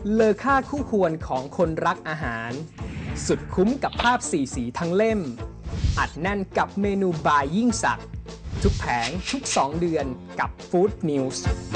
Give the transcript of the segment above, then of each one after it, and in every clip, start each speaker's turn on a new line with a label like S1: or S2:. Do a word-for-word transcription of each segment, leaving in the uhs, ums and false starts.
S1: เลอค่าคู่ควรของคนรักอาหารสุดคุ้มกับภาพสีสีทั้งเล่มอัดแน่นกับเมนูบายยิ่งสักทุกแผงทุกสองเดือนกับ Food News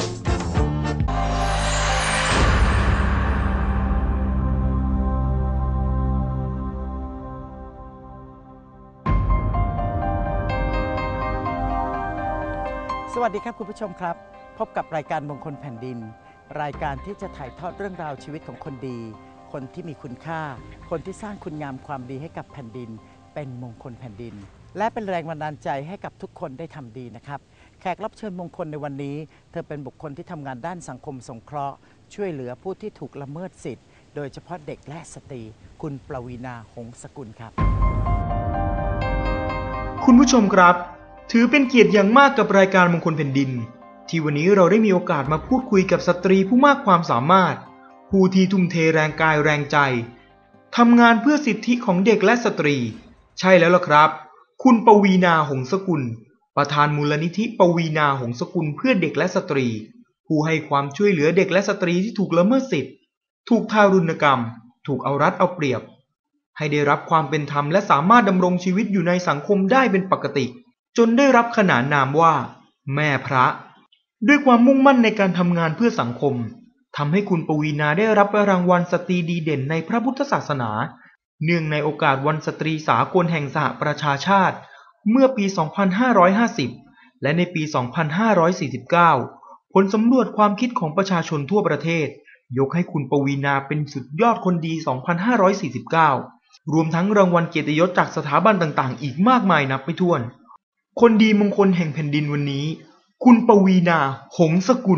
S2: สวัสดีครับคุณผู้ชมครับพบกับรายการมงคลแผ่นดินรายการที่จะถ่ายทอดเรื่องราวชีวิตของคนดีคนที่มีคุณค่าคนที่สร้างคุณงามความดีให้กับแผ่นดินเป็นมงคลแผ่นดินและเป็นแรงบันดาลใจให้กับทุกคนได้ทำดีนะครับแขกรับเชิญมงคลในวันนี้เธอเป็นบุคคลที่ทำงานด้านสังคมสงเคราะห์ช่วยเหลือผู้ที่ถูกละเมิดสิทธิ์โดยเฉพาะเด็กและสตรีคุณประวีณา หงสกุลครับ
S3: คุณผู้ชมครับถือเป็นเกียรติอย่างมากกับรายการมงคลแผ่นดินที่วันนี้เราได้มีโอกาสมาพูดคุยกับสตรีผู้มากความสามารถผู้ที่ทุ่มเทแรงกายแรงใจทำงานเพื่อสิทธิของเด็กและสตรีใช่แล้วล่ะครับคุณปวีณา หงสกุลประธานมูลนิธิปวีณา หงสกุลเพื่อเด็กและสตรีผู้ให้ความช่วยเหลือเด็กและสตรีที่ถูกละเมิดสิทธิถูกทารุณกรรมถูกเอารัดเอาเปรียบให้ได้รับความเป็นธรรมและสามารถดำรงชีวิตอยู่ในสังคมได้เป็นปกติจนได้รับขนานนามว่าแม่พระด้วยความมุ่งมั่นในการทำงานเพื่อสังคมทำให้คุณปวีณาได้รับรางวัลสตรีดีเด่นในพระพุทธศาสนาเนื่องในโอกาสวันสตรีสากลแห่งสหประชาชาติเมื่อปี สองพันห้าร้อยห้าสิบ และในปี สองพันห้าร้อยสี่สิบเก้า ผลสำรวจความคิดของประชาชนทั่วประเทศยกให้คุณปวีณาเป็นสุดยอดคนดี สองพันห้าร้อยสี่สิบเก้า รวมทั้งรางวัลเกียรติยศจากสถาบันต่างๆอีกมากมายนับไม่ถ้วนคนดีมงคลแห่งแผ่นดินวันนี้คุณปวีณา หงสกุล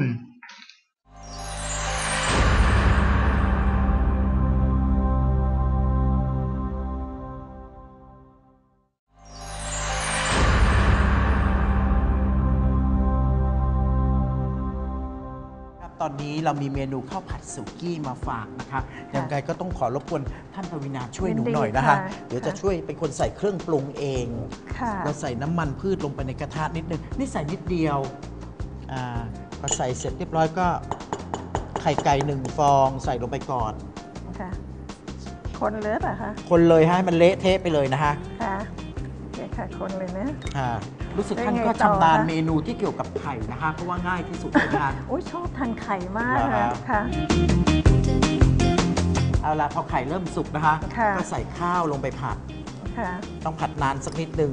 S2: ตอนนี้เรามีเมนูข้าวผัดสุกี้มาฝากนะคะยังไงก็ต้องขอรบกวนท่านปวีณาช่วยหนูหน่อยนะคะเดี๋ยวจะช่วยเป็นคนใส่เครื่องปรุงเองเราใส่น้ำมันพืชลงไปในกระทะนิดนึงนี่ใส่นิดเดียวอ่าพอใส่เสร็จเรียบร้อยก็ไข่ไก่หนึ่งฟองใส่ลงไปก่อน
S4: ค่ะคนเลยป่ะคะ
S2: คนเลยให้มันเละเทะไปเลยนะคะ
S4: ค่ะโอเคค่ะคนเลยนะ
S2: ค่ะรู้สึกท่านก็ชำนาญเมนูที่เกี่ยวกับไข่นะคะเพราะว่าง่ายที่สุดเลยนะคะ
S4: โอ้ยชอบทานไข่มากเลยค่ะ
S2: เอาละพอไข่เริ่มสุกนะคะก็ใส่ข้าวลงไปผัดต้องผัดนานสักนิดนึง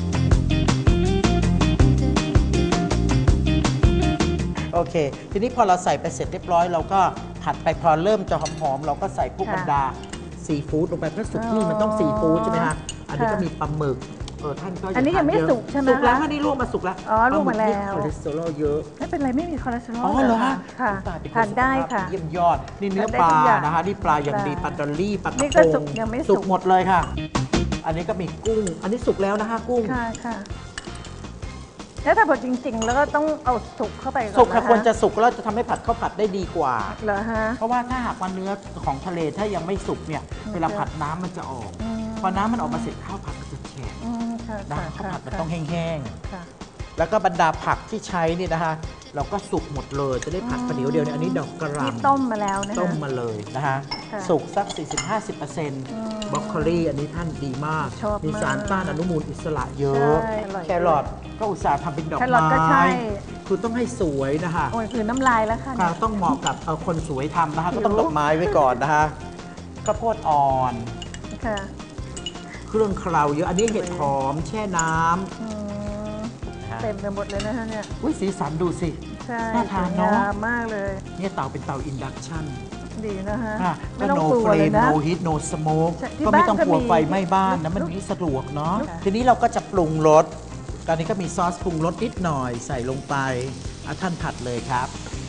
S2: โอเคทีนี้พอเราใส่ไปเสร็จเรียบร้อยเราก็ผัดไปพอเริ่มจะหอมๆเราก็ใส่พวกบรรดาซีฟู้ดลงไปเพราะสุกี้มันต้องซีฟู้ดใช่ไหมคะอันนี้ก็มีปลาหมึกเออท่านก็
S4: อันนี้ยังไม่สุกใช่ไหม
S2: สุกแล้วอันนี้ลวกมาสุกแล้ว
S4: อ๋อลวกมาแล้ว
S2: คอเลสเตอรอลเยอะ
S4: ไม่เป็นไรไม่มีคอเลสเตอรอล
S2: อ๋อเหรอ
S4: ค่ะทานได้ค่ะ
S2: เยี่ยมยอดนี่เนื้อปลานะคะนี่ปลาอย่างดีปลาดอลลี่ปลากระพง
S4: ยังไม่
S2: สุกหมดเลยค่ะอันนี้ก็มีกุ้งอันนี้สุกแล้วนะคะกุ้ง
S4: ค่ะค่ะแล้วถ้าบดจริงๆแล้วก็ต้องเอาสุกเข้าไปก่อน
S2: สุกค่ะควรจะสุกแล้วจะทำให้ผัดข้าวผัดได้ดีกว่า
S4: เหรอฮะ
S2: เพราะว่าถ้าหากว่าเนื้อของทะเลถ้ายังไม่สุกเนี่ยเวลาผัดน้ำมันจะออกพอน้ำมันออกมาเสร็จข้าวผัดมันจะแฉะนะข้าวผัดมันต้องแห้งๆแล้วก็บรรดาผักที่ใช้นี่นะคะเราก็สุกหมดเลยจะได้ผัดประเดี๋ยวเดียวเนี่ยอันนี้ดอกกระหล่ำ
S4: ต้มมาแล้วนะ
S2: ต้มมาเลยนะคะสุกสัก สี่สิบถึงห้าสิบเปอร์เซ็นต์ บรอกโคลีอันนี้ท่านดีมากมีสารต้านอนุมูลอิสระเยอะแครอทก็อุตส่าห์ทำเป็นดอกไม้คือต้องให้สวยนะคะ
S4: โอ้ยคือน้ำลายแล้วค่ะ
S2: ต้องเหมาะกับคนสวยทำนะคะก็ต้องดอกไม้ไว้ก่อนนะคะข้าวโพดอ่อนเครื่องเคล้าเยอะอันนี้เห็ดหอมแช่น้
S4: ำเต็มไปหมดเลยนะคะเนี่ย
S2: อุ้ยสีสันดูสิ
S4: น่าทานเนาะมากเลย
S2: เนี่ยเตาเป็นเตาอินดักชัน
S4: ดีนะฮะ
S2: ก็โนเฟรมโนฮีทโนสโมกก็ไม่ต้องกลัวไฟไหม้บ้านนะมันนี่สะดวกเนาะทีนี้เราก็จะปรุงรสตอนนี้ก็มีซอสปรุงรสนิดหน่อยใส่ลงไปเอาท่านผัดเลยครับ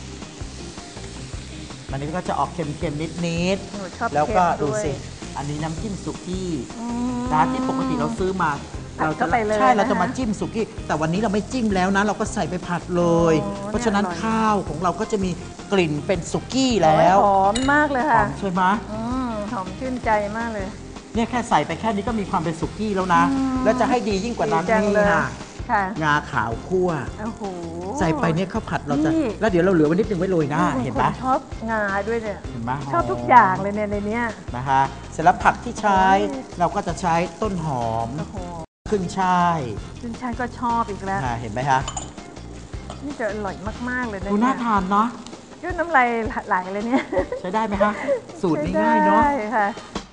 S2: อันนี้ก็จะออกเค็มๆนิดๆแล้วก็ดูสิอันนี้น้ำจิ้มสุกี้ร้านที่ปกติเราซื้อมาเราจะใช่เราจะมาจิ้มสุกี้แต่วันนี้เราไม่จิ้มแล้วนะเราก็ใส่ไปผัดเลยเพราะฉะนั้นข้าวของเราก็จะมีกลิ่นเป็นสุกี้แล้ว
S4: หอมมากเลยค่ะ
S2: ใช่ไหม
S4: หอมชื่นใจมากเลย
S2: เนี่ยแค่ใส่ไปแค่นี้ก็มีความเป็นสุกี้แล้วนะแล้วจะให้ดียิ่งกว่านั้นนี่ค่ะ
S4: ค่ะ
S2: งาขาวคั่ว
S4: โอ้โห
S2: ใส่ไปเนี่ยข้าวผัดเราจะ
S4: นี่
S2: แล้วเดี๋ยวเราเหลือไว้นิดนึงไว้โรยหน้าเห็นไหม
S4: คชอบงาด้วยเนี่ย
S2: เห็นไหม
S4: ชอบทุกอย่างเลยเนี่ยในเนี้ย
S2: นะคะเสร็จแล้วผักที่ใช้
S4: โอ้ย
S2: เราก็จะใช้ต้นหอม
S4: โอ้โห
S2: ขึ้นช่าย
S4: คุณชายก็ชอบอีกแล้ว
S2: อ่าเห็นไหมคะ
S4: นี่จะอร่อยมากๆเลยนะ
S2: ดู
S4: เนี่
S2: น่าย ทานเนาะ
S4: ยืดน้ำลายไหลเลยเนี่ย
S2: ใช้ได้ไหมคะสูตรง่ายๆเนาะ
S4: ใช่ค่ะ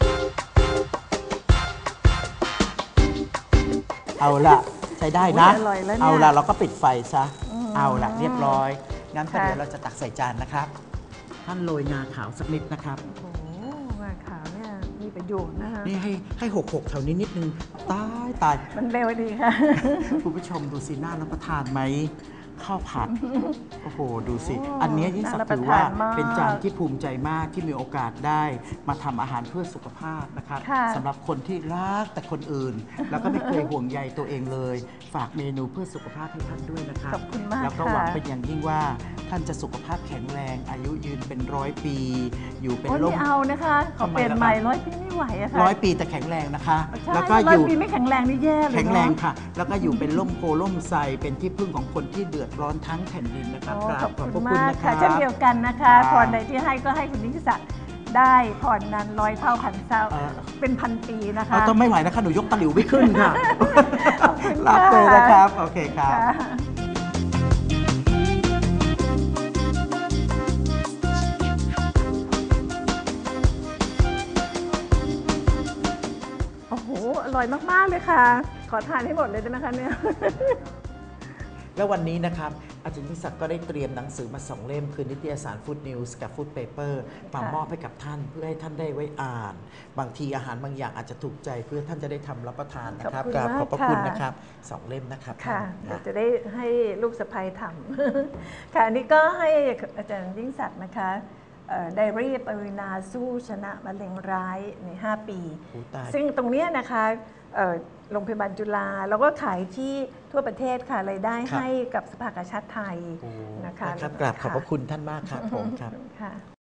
S2: เอาละใช้ได้นะ
S4: โอ้ยอร่อยแล้วเนี่ย
S2: เอาละเราก็ปิดไฟซะ
S4: อืม
S2: เอาละเรียบร้อยงั้นก็
S4: ค่ะ
S2: เดี๋ยวเราจะตักใส่จานนะครับท่านโรยงาขาวสักนิดนะครับ
S4: โอ้โหงาขาวเนี่ยมีประโยชน์นะคะ
S2: นี่ให้ให้หกหกแถวนี้นิดนึงตายตาย
S4: มันเร็วดีค่ะ
S2: คุณผู้ชมดูสิน่ารับประทานไหมข้าวผัด โอ้โห ดูสิ
S4: โอ้
S2: อันเนี้ยยิ่งสัก
S4: น่ารับ
S2: ถือว่า
S4: ประทานมาก
S2: เป็นจานที่ภูมิใจมากที่มีโอกาสได้มาทำอาหารเพื่อสุขภาพนะครับ
S4: ค่ะ
S2: สำหรับคนที่รักแต่คนอื่น แล้วก็ไม่เคยห่วงใยตัวเองเลย ฝากเมนูเพื่อสุขภาพให้ท่านด้วยนะครับ
S4: ขอบคุณมาก
S2: แล้วก็
S4: ค่ะ
S2: หวังเป็นอย่างยิ่งว่าท่านจะสุขภาพแข็งแรง อายุยืนเป็นร้อยปี อยู่เป็น
S4: โอ้ย
S2: ร่
S4: ไม่
S2: ม
S4: เอานะคะขอ
S2: ทำไม
S4: เปลี่ยน
S2: ล่ะ
S4: ใหม่
S2: ครับ
S4: ร้อยปีไม่ไหวอะค่ะ
S2: ร้อยปีแต่แข็งแรงนะคะ
S4: ใช่
S2: แล้วก็
S4: ร้
S2: อ
S4: อย
S2: ยู่
S4: ปีไม่แข็งแรงนี่แย่เลย
S2: แข็งแรง
S4: เนอะ
S2: ค่ะ แล้วก็อยู่เป็นร่มโพล่มไทรเป็นที่พึ่งของคนที่เดือดร้อนทั้งแผ่นดินนะครับ
S4: โอ้
S2: กรา
S4: ข
S2: บ
S4: อบ
S2: ขอบพ
S4: คุ
S2: ระ
S4: ณ
S2: คุณ
S4: มาก
S2: นะค
S4: ค่ะ
S2: รับ
S4: เช่นเดียวกันนะคะ
S2: ครับ
S4: พรใดที่ให้ก็ให้คุณนิติศักดิ์ได้พรนั้นร้อยเท่าพันเท่า
S2: เออ
S4: เป็นพันปีนะคะ
S2: เอาต้องไม่ไหวนะคะหนูยกตะหลิวไม่ขึ้นค่ะ
S4: ขอบคุณ
S2: รับ
S4: ค่ะ
S2: เลยนะครับ โอเคครับ
S4: ค่ะโอ้โห อร่อยมาก ๆ เลยค่ะ ขอทานให้หมดเลยได้ไหมคะเนี่ย
S2: แล้ววันนี้นะครับอาจารย์นิสักดิ์ก็ได้เตรียมหนังสือมาสองเล่ม คือนิตยสาร Food News กับ Food Paper มามอบให้กับท่านเพื่อให้ท่านได้ไว้อ่าน บางทีอาหารบางอย่างอาจจะถูกใจเพื่อท่านจะได้ทำรับประทานนะครับ
S4: ขอบคุณ
S2: กราบ
S4: มาก
S2: ขอบพระคุณ
S4: ค่ะ
S2: นะครับสองเล่มนะครับ
S4: ค่ะ
S2: ท่าน
S4: เดี๋ยวจะได้ให้ลูกสะใภ้ทำ ค่ะอันนี้ก็ให้อาจารย์ยิ่งศักดิ์นะคะไดอารี่ปรินาสู้ชนะมะเร็งร้ายใน ห้า ปี
S2: โอ้ตาย
S4: ซึ่งตรงเนี้ยนะคะเอ่อโรงพยาบาลจุฬาแล้วก็ขายที่ทั่วประเทศค่ะรายได้
S2: ครับ
S4: ให้กับสภากาชาติไทย
S2: โอ้
S4: นะคะ
S2: นะครับกราบขอบพระคุณท่านมากครับผมครับ
S4: ค่ะ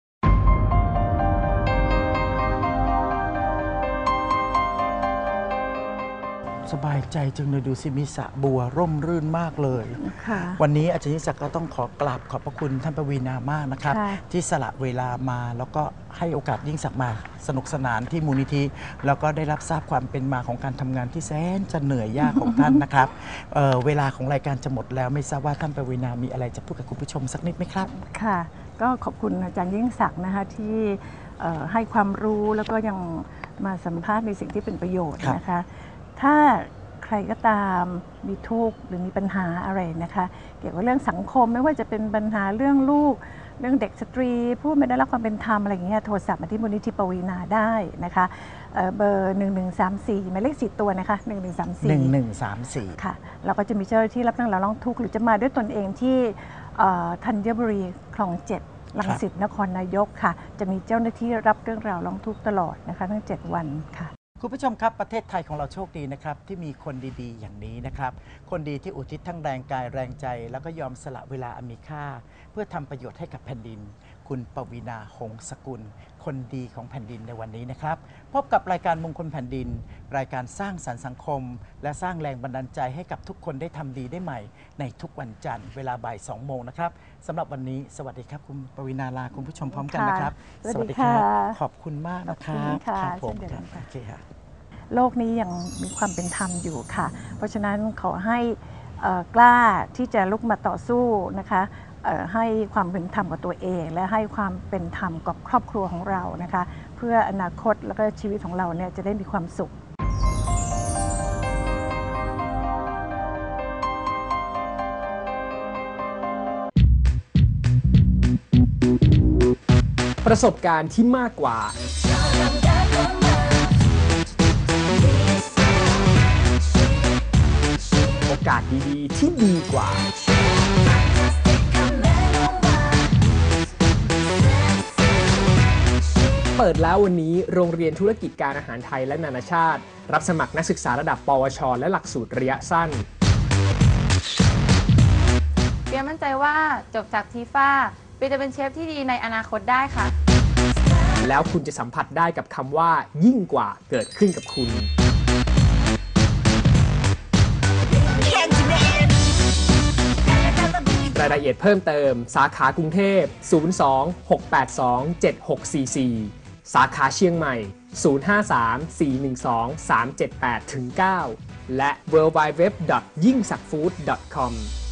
S2: สบายใจจังเลยดูสิมีสระบัวร่มรื่นมากเลย
S4: ค่ะ
S2: วันนี้อาจารย์นิสักดิ์ก็ต้องขอกราบขอบพระคุณท่านปวีณามากนะครับ
S4: ค่ะ
S2: ที่สละเวลามาแล้วก็ให้โอกาสยิ่งศักดิ์มาสนุกสนานที่มูลนิธิ แล้วก็ได้รับทราบความเป็นมาของการทำงานที่แสนจะเหนื่อยยากของท่านนะครับ เอ่อเวลาของรายการจะหมดแล้วไม่ทราบว่าท่านปวีณามีอะไรจะพูดกับคุณผู้ชมสักนิดไหมครับ
S4: ค่ะ ก็ขอบคุณอาจารย์ยิ่งศักดิ์นะคะที่เอ่อให้ความรู้แล้วก็ยังมาสัมภาษณ์ในสิ่งที่เป็นประโยชน์
S2: ครับ
S4: นะคะ ถ้าใครก็ตามมีทุกข์หรือมีปัญหาอะไรนะคะ เกี่ยวกับเรื่องสังคมไม่ว่าจะเป็นปัญหาเรื่องลูก เรื่องเด็กสตรีผู้ไม่ได้รับความเป็นธรรมอะไรอย่างเงี้ยโทรศัพท์มาที่มูลนิธิปวีณาได้นะคะเอ่อเบอร์หนึ่งหนึ่งสามสี่หมายเลขสี่ตัวนะคะหนึ่งหนึ่งสามสี่
S2: หนึ่งหนึ่งสามสี่
S4: ค่ะเราก็จะมีเจ้าหน้าที่รับเรื่องราวร้องทุกข์หรือจะมาด้วยตนเองที่เอ่อธัญบุรีคลองเจ็ดรังสิตนครนายกค่ะ จะมีเจ้าหน้าที่รับเรื่องราวร้องทุกข์ตลอดนะคะทั้งเจ็ดวันค่ะ
S2: คุณผู้ชมครับประเทศไทยของเราโชคดีนะครับที่มีคนดีๆ อย่างนี้นะครับคนดีที่อุทิศทั้งแรงกายแรงใจ แล้วก็ยอมสละเวลาอันมีค่า เพื่อทำประโยชน์ให้กับแผ่นดิน คุณปวีณา หงสกุล คนดีของแผ่นดินในวันนี้นะครับพบกับรายการมงคลแผ่นดิน รายการสร้างสรรค์สังคม และสร้างแรงบันดาลใจให้กับทุกคนได้ทำดีได้ใหม่ ในทุกวันจันทร์เวลาบ่ายสองโมงนะครับสำหรับวันนี้สวัสดีครับคุณปวีณาลาคุณผู้ชมพร้อมกันนะครับ
S4: ค่ะสวัสดีค่ะ
S2: ขอบคุณมากนะครับ
S4: ขอบคุณค่ะ
S2: ครับผม
S4: เช่นเดียว
S2: ค
S4: กั
S2: รับ
S4: นค่ะ
S2: โอเคครับ
S4: โลกนี้ยังมีความเป็นธรรมอยู่ค่ะ เพราะฉะนั้นขอให้เอ่อกล้าที่จะลุกมาต่อสู้นะคะเอ่อให้ความเป็นธรรมกับตัวเอง และให้ความเป็นธรรมกับครอบครัวของเรานะคะ เพื่ออนาคตแล้วก็ชีวิตของเราเนี่ยจะได้มีความสุข
S1: ประสบการณ์ที่มากกว่า โอกาสดีๆ ที่ดีกว่า เปิดแล้ววันนี้โรงเรียนธุรกิจการอาหารไทยและนานาชาติ รับสมัครนักศึกษาระดับ ปวช และหลักสูตรระยะสั้น
S5: เปียมั่นใจว่าจบจากทีฟ้าเปียจะเป็นเชฟที่ดีในอนาคตได้ค่ะ
S1: แล้วคุณจะสัมผัสได้กับคำว่ายิ่งกว่าเกิดขึ้นกับคุณ
S6: Can't
S1: ายละเอียดเพิ่มเติมสาขากรุงเทพศูนย์ สอง หก แปด สอง เจ็ด หก สี่ สี่ สาขาเชียงใหม่ศูนย์ ห้า สาม สี่ หนึ่ง สอง สาม เจ็ด แปด เก้า และ ดับเบิลยู ดับเบิลยู ดับเบิลยู ดอท ยิ่งศักดิ์ฟู้ด ดอท คอม